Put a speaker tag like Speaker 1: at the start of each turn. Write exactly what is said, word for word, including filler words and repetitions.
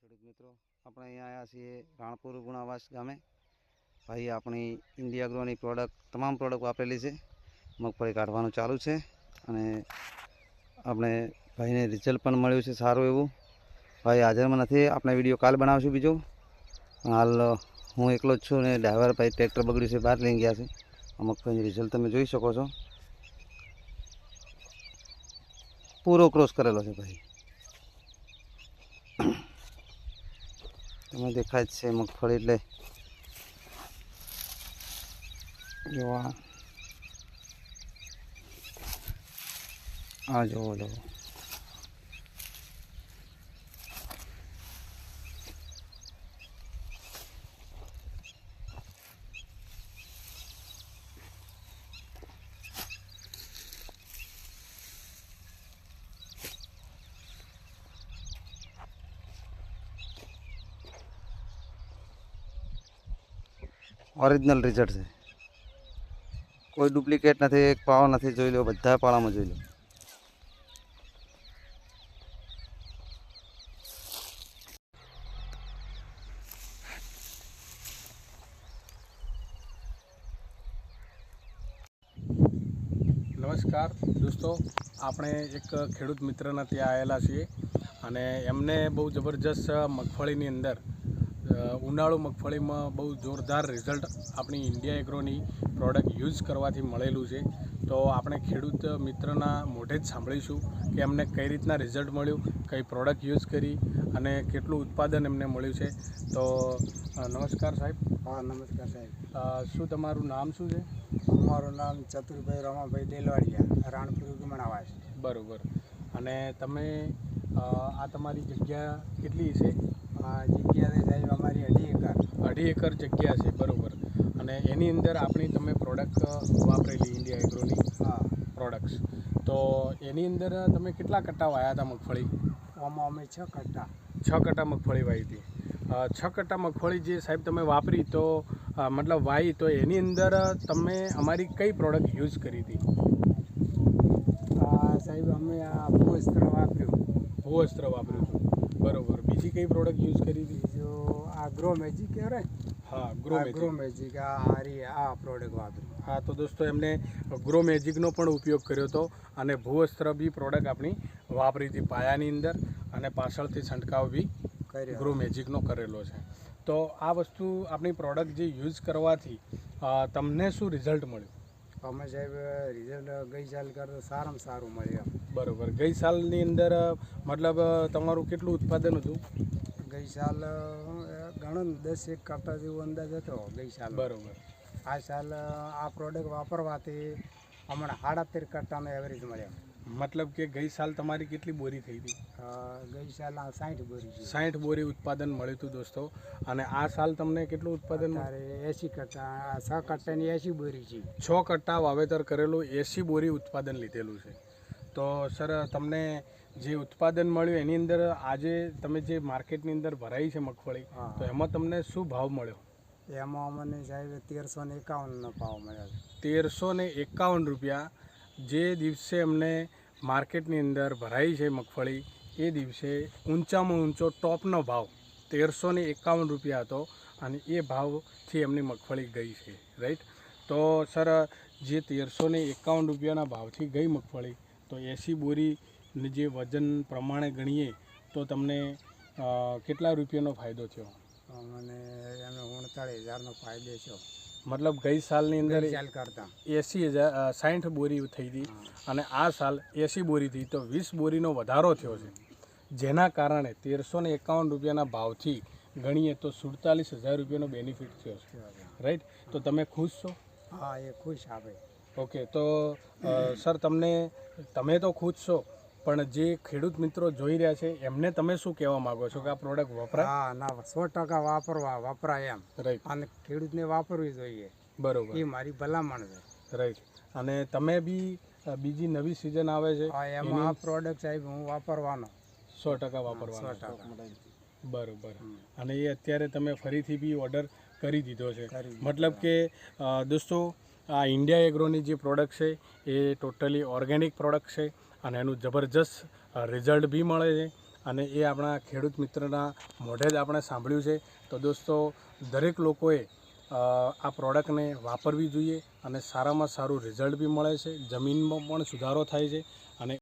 Speaker 1: ખેડૂત મિત્રો, આપણે અહીંયા આવ્યા છીએ રાણપુર ગુણાવાસ ગામે. ભાઈ આપણી ઇન્ડિયા એગ્રોની પ્રોડક્ટ તમામ પ્રોડક્ટ વાપરેલી છે. મગફળી કાઢવાનું ચાલુ છે અને આપણે ભાઈને રિઝલ્ટ પણ મળ્યું છે સારું એવું. ભાઈ હાજરમાં નથી, આપણે વિડીયો કાલ બનાવશું બીજો. હાલ હું એકલો જ છું ને ડ્રાઈવર ભાઈ ટ્રેક્ટર બગડ્યું છે બહાર લઈ ગયા છે. આ મગફળીનું રિઝલ્ટ તમે જોઈ શકો છો, પૂરો ક્રોસ કરેલો છે ભાઈ. તમે દેખાય જ છે મગફળી એટલે જોવા આ જોવો જોવો ઓરિજિનલ રિઝલ્ટ છે, કોઈ ડુપ્લિકેટ નથી, એક પાળો નથી. જોઈ લો, બધા પાળામાં જોઈ લો.
Speaker 2: નમસ્કાર દોસ્તો, આપણે એક ખેડૂત મિત્રના ત્યાં આવેલા છીએ અને એમને બહુ જબરજસ્ત મગફળીની અંદર ઉનાળુ મગફળીમાં બહુ જોરદાર રિઝલ્ટ આપણી ઇન્ડિયા એગ્રોની પ્રોડક્ટ યુઝ કરવાથી મળેલું છે. તો આપણે ખેડૂત મિત્રના મોઢે જ સાંભળીશું કે એમને કઈ રીતના રિઝલ્ટ મળ્યું, કઈ પ્રોડક્ટ યુઝ કરી અને કેટલું ઉત્પાદન એમને મળ્યું છે. તો નમસ્કાર સાહેબ.
Speaker 3: હા નમસ્કાર સાહેબ.
Speaker 2: શું તમારું નામ શું છે?
Speaker 3: અમારું નામ ચતુરભાઈ રમાભાઈ દેલવાડિયા, રાણપુર ગુણાવાસ.
Speaker 2: બરાબર. અને તમે આ તમારી જગ્યા કેટલી છે?
Speaker 3: આ જગ્યા સાહેબ અમારી અઢી એકર
Speaker 2: અઢી એકર જગ્યા છે. બરાબર. અને એની અંદર આપણી તમે પ્રોડક્ટ વાપરેલી ઇન્ડિયા એગ્રોની
Speaker 3: હા
Speaker 2: પ્રોડક્ટ્સ, તો એની અંદર તમે કેટલા કટ્ટા વાયા હતા મગફળી?
Speaker 3: આમાં અમે છ કટ્ટા
Speaker 2: છ કટ્ટા મગફળી વાવી હતી. છ કટ્ટા મગફળી જે સાહેબ તમે વાપરી તો મતલબ વાવી, તો એની અંદર તમે અમારી કઈ પ્રોડક્ટ યુઝ કરી હતી?
Speaker 3: આ સાહેબ અમે આ ભૂવસ્ત્ર વાપર્યું.
Speaker 2: ભૂવસ્ત્ર વાપર્યું હતું. બરાબર. બીજી કઈ પ્રોડક્ટ યુઝ કરી હતી?
Speaker 3: બીજો આ ગ્રો મેજિક કહેવાય.
Speaker 2: હા, ગ્રો મેજિક.
Speaker 3: ગ્રો મેજિક આ હારી આ પ્રોડક્ટ વાપર્યું.
Speaker 2: હા, તો દોસ્તો એમને ગ્રો મેજિકનો પણ ઉપયોગ કર્યો હતો અને ભૂવસ્ત્ર બી પ્રોડક્ટ આપણી વાપરી હતી પાયાની અંદર, અને પાછળથી છંટકાવ બી ગ્રો મેજિકનો કરેલો છે. તો આ વસ્તુ આપણી પ્રોડક્ટ જે યુઝ કરવાથી તમને શું રિઝલ્ટ મળ્યું?
Speaker 3: અમે સાહેબ રિઝલ્ટ ગઈ સાલ કરતાં સારામાં સારું મળ્યું.
Speaker 2: બરાબર. ગઈ સાલની અંદર મતલબ તમારું કેટલું ઉત્પાદન હતું?
Speaker 3: ગઈ સાલ ઘણું દસ એક કટ્ટા જેવો અંદાજ હતો ગઈ સાલ.
Speaker 2: બરાબર.
Speaker 3: આ સાલ આ પ્રોડક્ટ વાપરવાથી હમણાં સાડા તેર કટ્ટાનો એવરેજ મળ્યો.
Speaker 2: મતલબ કે ગઈ સાલ તમારી કેટલી બોરી થઈ હતી?
Speaker 3: ગઈ સાલ સાઠ બોરી છે.
Speaker 2: સાઠ બોરી ઉત્પાદન મળ્યું હતું દોસ્તો. અને આ સાલ તમને કેટલું ઉત્પાદન?
Speaker 3: એસી કટ્ટા, છ કટ્ટાની એસી બોરી છે.
Speaker 2: છ કટ્ટા વાવેતર કરેલું, એસી બોરી ઉત્પાદન લીધેલું છે. તો સર તમને જે ઉત્પાદન મળ્યું એની અંદર આજે તમે જે માર્કેટની અંદર ભરાઈ છે મગફળી, તો એમાં તમને શું ભાવ મળ્યો?
Speaker 3: એમાં અમને સાહેબ તેરસો ને એકાવનનો ભાવ મળ્યો.
Speaker 2: તેરસો ને એકાવન રૂપિયા જે દિવસે અમને માર્કેટની અંદર ભરાઈ છે મગફળી, એ દિવસે ઊંચામાં ઊંચો ટોપનો ભાવ તેરસો ને એકાવન રૂપિયા હતો અને એ ભાવથી એમની મગફળી ગઈ છે. રાઈટ. તો સર જે તેરસો ને એકાવન રૂપિયાના ભાવથી ગઈ મગફળી, તો એંસી બોરીની જે વજન પ્રમાણે ગણીએ તો તમને કેટલા રૂપિયાનો ફાયદો થયો?
Speaker 3: મને એનો ઉણતાળીસ હજારનો ફાયદો થયો.
Speaker 2: મતલબ ગઈ સાલની અંદર
Speaker 3: સાલ કરતાં
Speaker 2: એંસી હજાર સાઠ બોરી થઈ હતી અને આ સાલ એંસી બોરી થઈ, તો વીસ બોરીનો વધારો થયો છે. જેના કારણે તેરસો ને એકાવન રૂપિયાના ભાવથી ગણીએ તો સુડતાલીસ હજાર રૂપિયાનો બેનિફિટ થયો છે. રાઈટ. તો તમે ખુશ છો?
Speaker 3: હા, એ ખુશ આવે.
Speaker 2: ઓકે. તો સર તમને તમે તો ખુશ છો, પણ જે ખેડૂત મિત્રો જોઈ રહ્યા છે એમને તમે શું કહેવા માંગો છો કે આ પ્રોડક્ટ વપરાય?
Speaker 3: હા ના, સો ટકા વાપરવા વપરાય એમ.
Speaker 2: રાઈટ.
Speaker 3: અને ખેડૂતને વાપરવી જોઈએ.
Speaker 2: બરોબર.
Speaker 3: એ મારી ભલામણ છે.
Speaker 2: રાઈટ. અને તમે બી બીજી નવી સિઝન આવે છે
Speaker 3: એમાં આ પ્રોડક્ટ સાહેબ હું વાપરવાનો
Speaker 2: સો ટકા વાપરવાનો.
Speaker 3: સો ટકા.
Speaker 2: બરોબર. અને એ અત્યારે તમે ફરીથી બી ઓર્ડર કરી દીધો છે. મતલબ કે દોસ્તો આ ઇન્ડિયા એગ્રોની જે પ્રોડક્ટ છે એ ટોટલી ઓર્ગેનિક પ્રોડક્ટ છે અને એનું જબરજસ્ત રિઝલ્ટ બી મળે છે અને એ આપણા ખેડૂત મિત્રના મોઢે જ આપણે સાંભળ્યું છે. તો દોસ્તો, દરેક લોકોએ અ, આ પ્રોડક્ટને વાપરવી જોઈએ અને સારામાં સારું રિઝલ્ટ બી મળે છે, જમીનમાં પણ સુધારો થાય છે અને